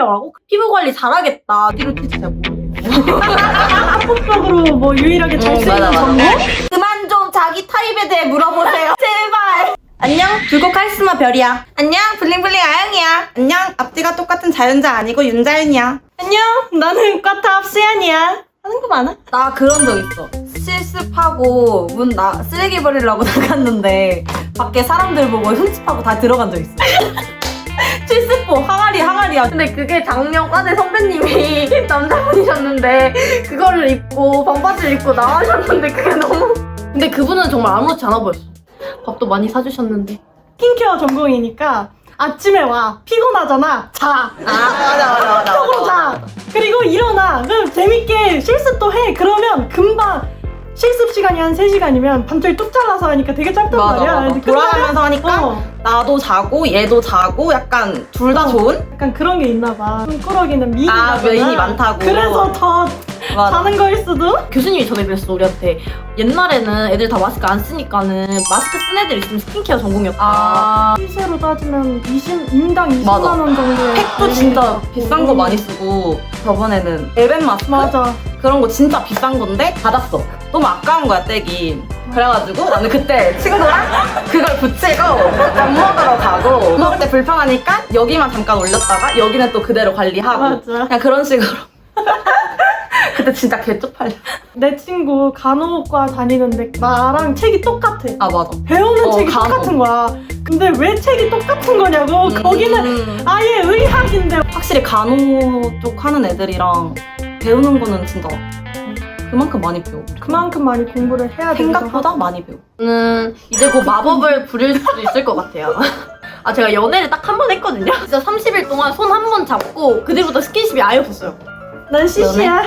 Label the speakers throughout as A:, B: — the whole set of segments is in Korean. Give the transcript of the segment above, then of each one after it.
A: 스킨케어라고? 피부 관리 잘하겠다. 이렇게 진짜 모르겠어.
B: 합법적으로 뭐 유일하게 잘 쓰이는
A: 맞아.
B: 정보?
A: 그만 좀 자기 타입에 대해 물어보세요. 제발. 안녕, 불꽃 카리스마 별이야. 안녕, 블링블링 아영이야. 안녕, 앞뒤가 똑같은 자연자 아니고 윤자윤이야.
B: 안녕, 나는 과탑 수연이야. 하는 거 많아?
A: 나 그런 적 있어. 실습하고 쓰레기 버리려고 나갔는데 밖에 사람들 보고 흠집하고 다 들어간 적 있어. 실습복 항아리야. 근데 그게 작년 과대 선배님이 남자분이셨는데 그거를 입고 반바지를 입고 나가셨는데 그게 너무. 근데 그분은 정말 아무렇지 않아 보였어. 밥도 많이 사주셨는데.
B: 스킨케어 전공이니까 아침에 와, 피곤하잖아, 자.
A: 맞아.
B: 쪽으로 자. 그리고 일어나. 그럼 재밌게 실습도 해. 그러면 금방 실습 시간이 한 3시간이면 밤중에 뚝 잘라서 하니까 되게 짧단 말이야. 근데
A: 돌아가면서 하니까 나도 자고 얘도 자고 약간 둘 다 좋은?
B: 약간 그런 게 있나 봐. 꿈꾸러기는 미인이
A: 메인이 많다고.
B: 그래서 더 자는 거일 수도?
A: 교수님이 전에 그랬어 우리한테. 옛날에는 애들 다 마스크 안 쓰니까는 마스크 쓴 애들 있으면 스킨케어 전공이었다.
B: 시세로 따지면 인당 20만
A: 맞아.
B: 원 정도에
A: 팩도 진짜 비싼 거 많이 쓰고 저번에는 엘벤 마스크?
B: 맞아.
A: 그런 거 진짜 비싼 건데 받았어. 너무 아까운 거야 떼기. 그래가지고 나는 그때 친구랑 그걸 붙이고 밥 먹으러 가고 먹을 때 불편하니까 여기만 잠깐 올렸다가 여기는 또 그대로 관리하고
B: 맞아.
A: 그냥 그런 식으로. 그때 진짜 개쪽팔려.
B: 내 친구 간호과 다니는데 나랑 책이 똑같아.
A: 아 맞아.
B: 배우는 책이
A: 간호.
B: 똑같은 거야. 근데 왜 책이 똑같은 거냐고. 거기는 아예 의학인데.
A: 확실히 간호 쪽 하는 애들이랑 배우는 거는 진짜 그만큼 많이 배워.
B: 그만큼 많이 공부를 해야 되기도
A: 생각보다
B: 하고.
A: 많이 배워. 저는 이제 곧 마법을 부릴 수도 있을 것 같아요. 제가 연애를 딱 한 번 했거든요. 진짜 30일 동안 손 한 번 잡고 그 뒤부터 스킨십이 아예 없었어요.
B: 난 CC야.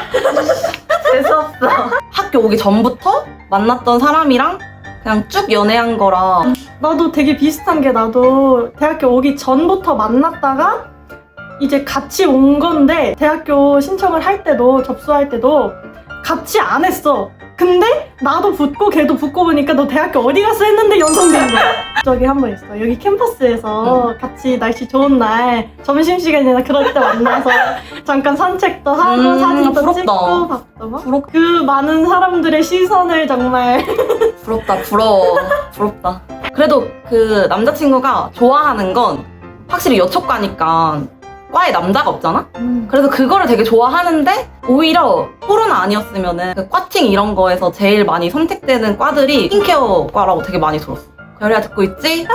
A: 재수없어. 학교 오기 전부터 만났던 사람이랑 그냥 쭉 연애한 거라.
B: 나도 되게 비슷한 게, 나도 대학교 오기 전부터 만났다가 이제 같이 온 건데, 대학교 신청을 할 때도 접수할 때도 같이 안 했어. 근데 나도 붙고 걔도 붙고 보니까 너 대학교 어디 갔어 했는데 연상된 거야. 저기 한 번 있어. 여기 캠퍼스에서 같이 날씨 좋은 날 점심시간이나 그럴 때 만나서 잠깐 산책도 하고 사진도
A: 부럽다.
B: 찍고 밥도 먹고. 그 많은 사람들의 시선을 정말
A: 부럽다, 부러워. 부럽다. 그래도 그 남자친구가 좋아하는 건 확실히 여초과니까 과에 남자가 없잖아? 그래서 그거를 되게 좋아하는데 오히려 코로나 아니었으면은 그 과팅 이런 거에서 제일 많이 선택되는 과들이 스킨케어 과라고 되게 많이 들었어. 별이야 듣고 있지?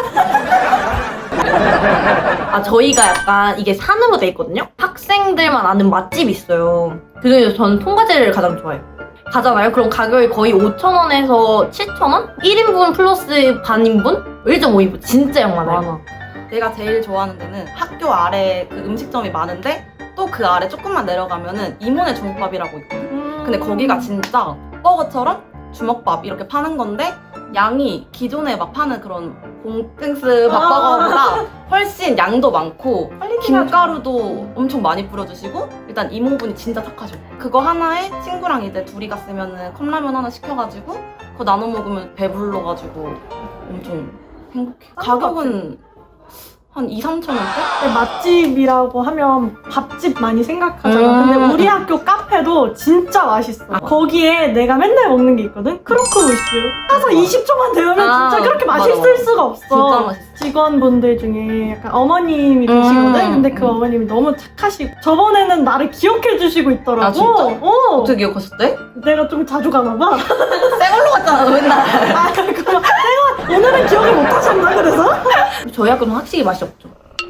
A: 저희가 약간 이게 산으로 돼 있거든요? 학생들만 아는 맛집이 있어요. 그중에서 저는 통과제를 가장 좋아해요. 가잖아요? 그럼 가격이 거의 5,000원에서 7,000원? 1인분 플러스 반인분? 1.5인분 진짜 양 많아요. 내가 제일 좋아하는 데는 학교 아래 그 음식점이 많은데 또 그 아래 조금만 내려가면은 이모네 주먹밥이라고 있거든. 근데 거기가 진짜 버거처럼 주먹밥 이렇게 파는 건데 양이 기존에 막 파는 그런 공땡스 밥버거보다 훨씬 양도 많고 김가루도 엄청 많이 뿌려주시고 일단 이모분이 진짜 착하셔. 그거 하나에 친구랑 이제 둘이 갔으면은 컵라면 하나 시켜가지고 그거 나눠 먹으면 배불러가지고 엄청 행복해. 가격은 한 2-3,000원대?
B: 맛집이라고 하면 밥집 많이 생각하잖아. 근데 우리 학교 카페도 진짜 맛있어. 거기에 내가 맨날 먹는 게 있거든? 크로크무스. 가서 20초만 데우면 진짜 그렇게 맛있을 수가 없어.
A: 진짜 맛있어.
B: 직원분들 중에 약간 어머님이 계시거든? 근데 그 어머님이 너무 착하시고 저번에는 나를 기억해 주시고 있더라고.
A: 아, 진짜? 어떻게 기억하셨대?
B: 내가 좀 자주 가나 봐.
A: 새 걸로 갔잖아 너 맨날.
B: 그럼 내가 오늘은 기억을 못 하셨나 그래서?
A: 저희 학교는 확실히 맛이 없죠.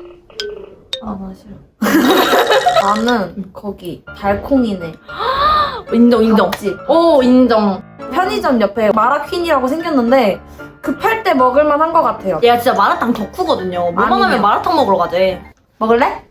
A: 나 싫어.
C: 나는 거기 달콩이네.
A: 인정.
C: 없지?
A: 오 인정.
C: 편의점 옆에 마라퀸이라고 생겼는데 급할 때 먹을만 한 것 같아요.
A: 얘가 진짜 마라탕 덕후거든요. 뭐만
C: 아니요.
A: 하면 마라탕 먹으러 가재.
C: 먹을래?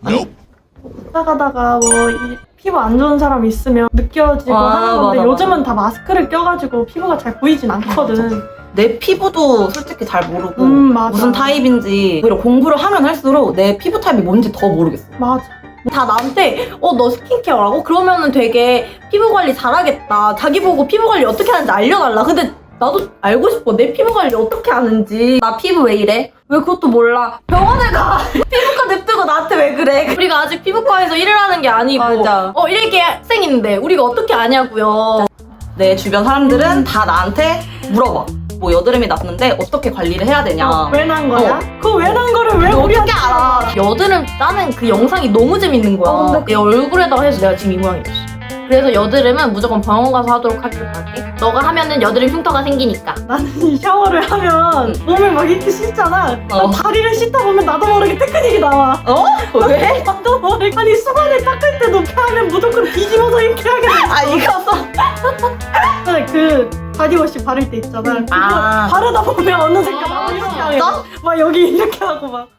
B: 가다가 피부 안 좋은 사람 있으면 느껴지고 하는 건데
A: 맞아.
B: 요즘은 다 마스크를 껴가지고 피부가 잘 보이진 않거든.
A: 내 피부도 솔직히 잘 모르고
B: 맞아.
A: 무슨 타입인지 오히려 공부를 하면 할수록 내 피부 타입이 뭔지 더 모르겠어.
B: 맞아.
A: 다 나한테 너 스킨케어라고? 그러면은 되게 피부 관리 잘하겠다. 자기 보고 피부 관리 어떻게 하는지 알려달라. 근데 나도 알고 싶어. 내 피부 관리 어떻게 하는지.
C: 나 피부 왜 이래? 왜 그것도 몰라? 병원에 가! 피부과 냅두고 가지고 나한테 왜 그래?
A: 우리가 아직 피부과에서 일을 하는 게 아니고
C: 맞아.
A: 이렇게 학생인데 우리가 어떻게 아냐고요.
D: 내 주변 사람들은 다 나한테 물어봐. 뭐 여드름이 났는데 어떻게 관리를 해야 되냐.
B: 왜 난 거야? 그 왜 난 거를 왜 우리한테 알아?
A: 여드름 따는 그 영상이 너무 재밌는 거야.
C: 근데
A: 내 얼굴에다가 해서 내가 지금 이 모양이 됐어. 그래서 여드름은 무조건 병원 가서 하도록 하길 바랄게. 너가 하면은 여드름 흉터가 생기니까.
B: 나는 이 샤워를 하면 몸을 막 이렇게 씻잖아.
D: 어.
B: 다리를 씻다 보면 나도 모르게 테크닉이 나와.
D: 왜?
B: 나도 모르게. 아니 수건을 닦을 때도 이렇게 하면 무조건 뒤집어서 이렇게 하게 돼.
D: 아 이거
B: 근데 그 바디워시 바를 때 있잖아. 그거
D: 아.
B: 바르다 보면 어느새 이렇게 하게 돼. 막 여기 이렇게 하고 막.